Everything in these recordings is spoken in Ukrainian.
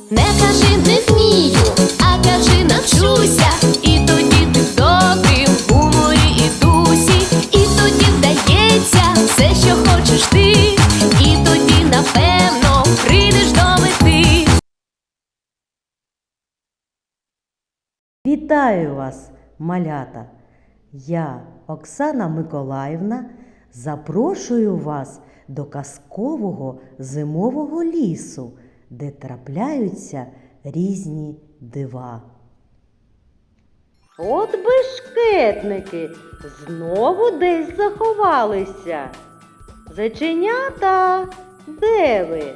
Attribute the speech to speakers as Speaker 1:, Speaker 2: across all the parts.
Speaker 1: Не кажи не вмію, а кажи навчуся. І тоді ти в добрім гуморі і дусі. І тоді вдається все, що хочеш ти. І тоді, напевно, прийдеш до мети.
Speaker 2: Вітаю вас, малята! Я, Оксана Миколаївна, запрошую вас до казкового зимового лісу, де трапляються різні дива. От бешкетники знову десь заховалися. Зайченята, де ви?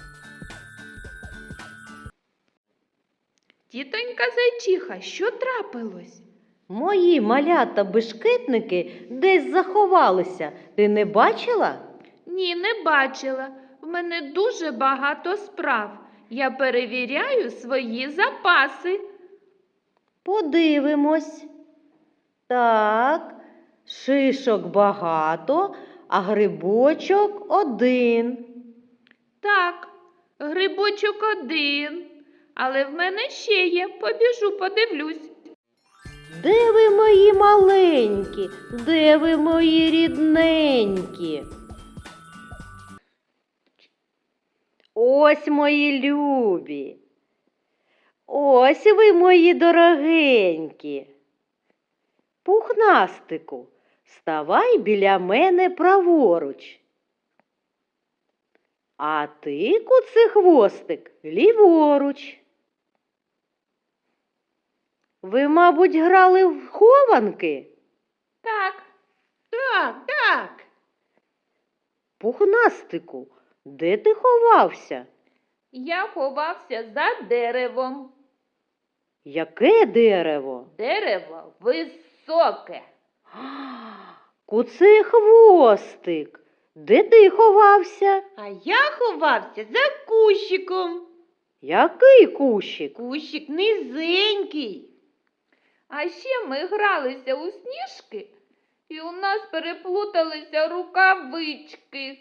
Speaker 3: Тітонька Зайчиха, що трапилось?
Speaker 2: Мої малята-бешкетники десь заховалися. Ти не бачила?
Speaker 3: Ні, не бачила. В мене дуже багато справ. Я перевіряю свої запаси.
Speaker 2: Подивимось. Так, шишок багато, а грибочок один.
Speaker 3: Так, грибочок один. Але в мене ще є. Побіжу, подивлюсь.
Speaker 2: Де ви, мої маленькі? Де ви, мої рідненькі? Ось мої любі. Ось ви, мої дорогенькі. Пухнастику, ставай біля мене праворуч. А ти, куцехвостик, ліворуч. Ви, мабуть, грали в хованки?
Speaker 3: Так,
Speaker 2: Так. Пухнастику, де ти ховався?
Speaker 3: я ховався за деревом.
Speaker 2: Яке дерево?
Speaker 3: Дерево високе.
Speaker 2: Куцехвостик, де ти ховався?
Speaker 4: А я ховався за кущиком.
Speaker 2: Який кущик?
Speaker 4: Кущик низенький.
Speaker 3: А ще ми гралися у сніжки, і у нас переплуталися рукавички.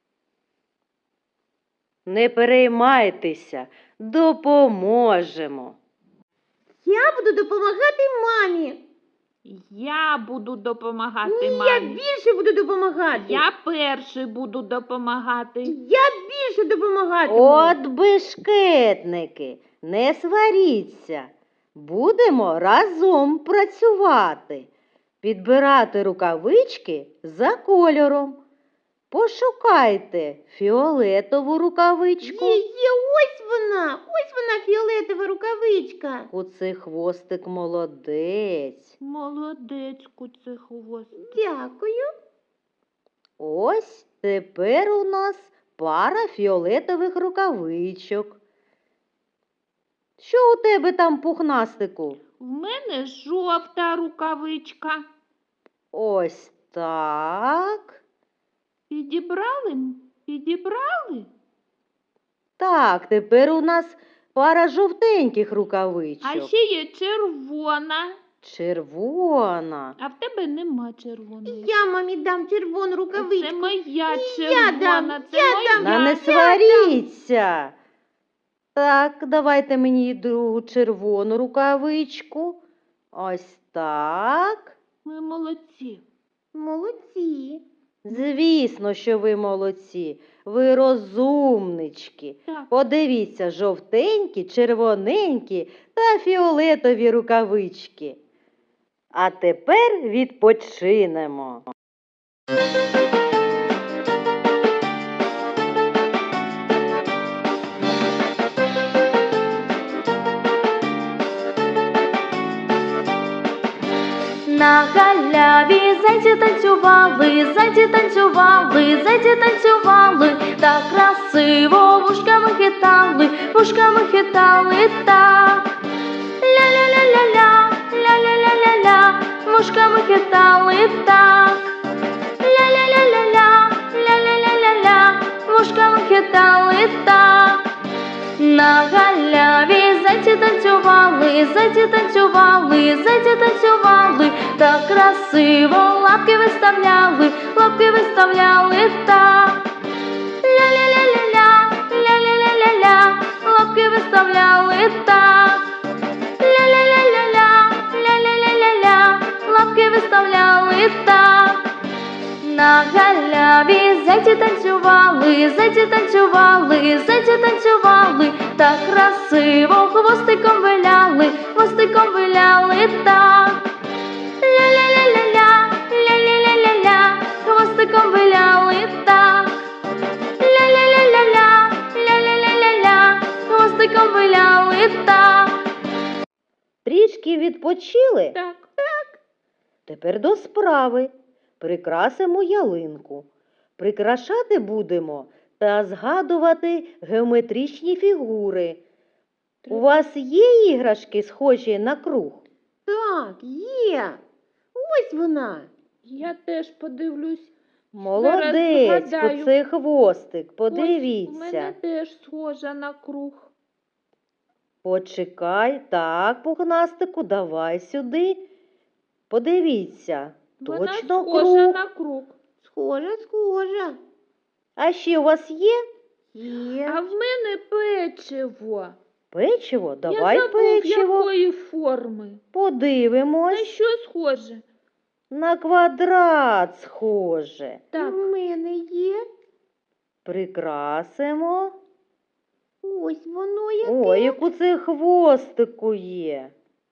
Speaker 2: Не переймайтеся, допоможемо.
Speaker 4: Я буду допомагати мамі.
Speaker 3: Я буду допомагати
Speaker 4: Ні, я
Speaker 3: мамі.
Speaker 4: більше буду допомагати.
Speaker 3: Я перший буду допомагати.
Speaker 4: Я більше допомагати.
Speaker 2: От бешкетники, не сваріться. Будемо разом працювати. Підбирати рукавички за кольором. Пошукайте фіолетову рукавичку.
Speaker 4: Є, ось вона фіолетова рукавичка.
Speaker 2: Куцехвостик молодець.
Speaker 3: Молодець, куцехвостик.
Speaker 4: Дякую.
Speaker 2: Ось тепер у нас пара фіолетових рукавичок. Що у тебе там, пухнастику?
Speaker 3: В мене жовта рукавичка.
Speaker 2: Ось так.
Speaker 3: Підібрали? Підібрали?
Speaker 2: Так, тепер у нас пара жовтеньких рукавичок.
Speaker 3: А ще є червона.
Speaker 2: Червона.
Speaker 3: А в тебе нема червоної.
Speaker 4: Я мамі дам червону рукавичку.
Speaker 3: Це моя
Speaker 4: я
Speaker 3: червона.
Speaker 4: дам,
Speaker 3: Це
Speaker 4: я
Speaker 3: моя.
Speaker 4: дам.
Speaker 2: Та не сваріться. Так, давайте мені другу червону рукавичку. Ось так.
Speaker 3: Ми молодці.
Speaker 4: Молодці.
Speaker 2: Звісно, що ви молодці. Ви розумнички.
Speaker 3: Так.
Speaker 2: Подивіться, жовтенькі, червоненькі та фіолетові рукавички. А тепер відпочинемо.
Speaker 1: На галяві зайці танцювали, зайці танцювали, зайці танцювали, так красиво вушками хитали так. Ля-ля-ля-ля-ля, ля-ля-ля-ля-ля, вушками хитали так. Ля-ля-ля-ля-ля, ля-ля-ля-ля-ля, вушками хитали так. На галяві зайці танцювали, зайці танцювали, зайці танцювали, так красиво лапки виставляли так. Ля-ля-ля-ля-ля, ля-ля-ля-ля-ля, лапки виставляли. виставляли так. Ля-ля-ля-ля-ля, ля-ля-ля-ля-ля, лапки виставляли так. На галяві зайці танцювали, зайці танцювали, зайці танцювали, так красиво хвостиком виляли, хвостиком виляли так. Ля-ля-ля-ля-ля, ля-ля-ля-ля-ля, хвостиком виляли так. Ля-ля-ля-ля-ля, ля-ля-ля-ля-ля, хвостиком виляли так.
Speaker 2: Трішки відпочили?
Speaker 3: Так.
Speaker 2: Тепер до справи. Прикрасимо ялинку. Прикрашати будемо та згадувати геометричні фігури. У вас є іграшки, схожі на круг?
Speaker 4: Так, є. Ось вона.
Speaker 3: Я теж подивлюсь.
Speaker 2: Молодець,
Speaker 3: згадаю.
Speaker 2: оце хвостик,
Speaker 3: Ось, у мене
Speaker 2: подивіться.
Speaker 3: теж схожа на круг.
Speaker 2: Почекай, так, пухнастику, давай сюди. Подивіться,
Speaker 3: Вона
Speaker 2: точно
Speaker 3: схожа
Speaker 2: круг.
Speaker 3: на круг.
Speaker 4: Схожа, схожа.
Speaker 2: А ще у вас є
Speaker 4: Є.
Speaker 3: А в мене печиво.
Speaker 2: печиво? Давай
Speaker 3: Я забув,
Speaker 2: печиво.
Speaker 3: якої форми. На
Speaker 2: Подивимось.
Speaker 3: що схоже?
Speaker 2: На квадрат схоже.
Speaker 3: Так,
Speaker 4: У мене є.
Speaker 2: Прикрасимо.
Speaker 4: Ось воно яке.
Speaker 2: Ой, як у це хвостику є.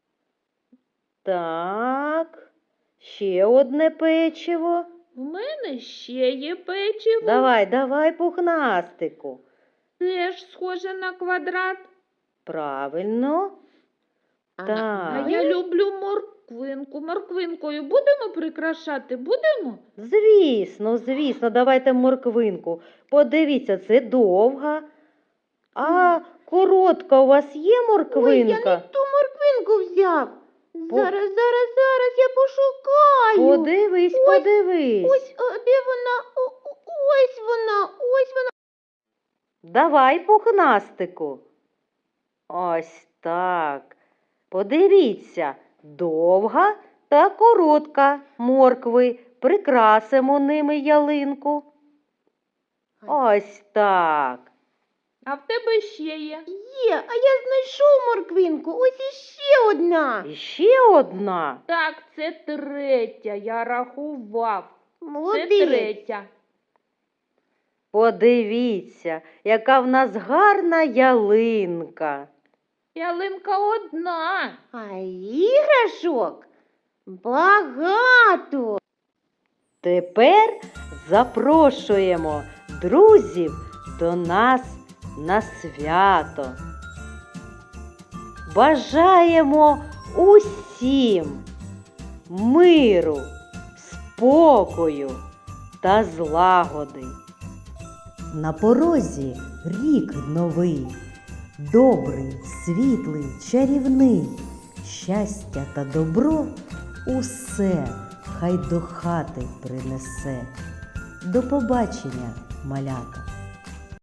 Speaker 2: Так. Ще одне печиво.
Speaker 3: в мене ще є печиво.
Speaker 2: Давай, пухнастику.
Speaker 3: Теж схоже на квадрат.
Speaker 2: Правильно.
Speaker 4: А,
Speaker 2: Так.
Speaker 3: А я люблю морквинку. Морквинкою будемо прикрашати? Будемо?
Speaker 2: Звісно, давайте морквинку. Подивіться, це довга. А коротка у вас є
Speaker 4: Ой, я
Speaker 2: морквинка?
Speaker 4: не ту морквинку взяв. Зараз я пошукаю.
Speaker 2: Подивись.
Speaker 4: Ось, де вона? Ось вона.
Speaker 2: Давай, пухнастику. Ось так. Подивіться, довга та коротка моркви. Прикрасимо ними ялинку. Ось так.
Speaker 3: А в тебе ще є.
Speaker 4: Є, а я знайшов морквинку. Ось іще одна.
Speaker 2: І ще одна.
Speaker 3: Так, це третя. Я рахував. Це
Speaker 4: Молодець.
Speaker 3: третя.
Speaker 2: Подивіться, яка в нас гарна ялинка.
Speaker 3: Ялинка одна.
Speaker 4: А іграшок багато.
Speaker 2: Тепер запрошуємо друзів до нас на свято. Бажаємо усім миру, спокою та злагоди.
Speaker 5: На порозі рік новий, добрий, світлий, чарівний, щастя та добро усе хай до хати принесе. До побачення, малята!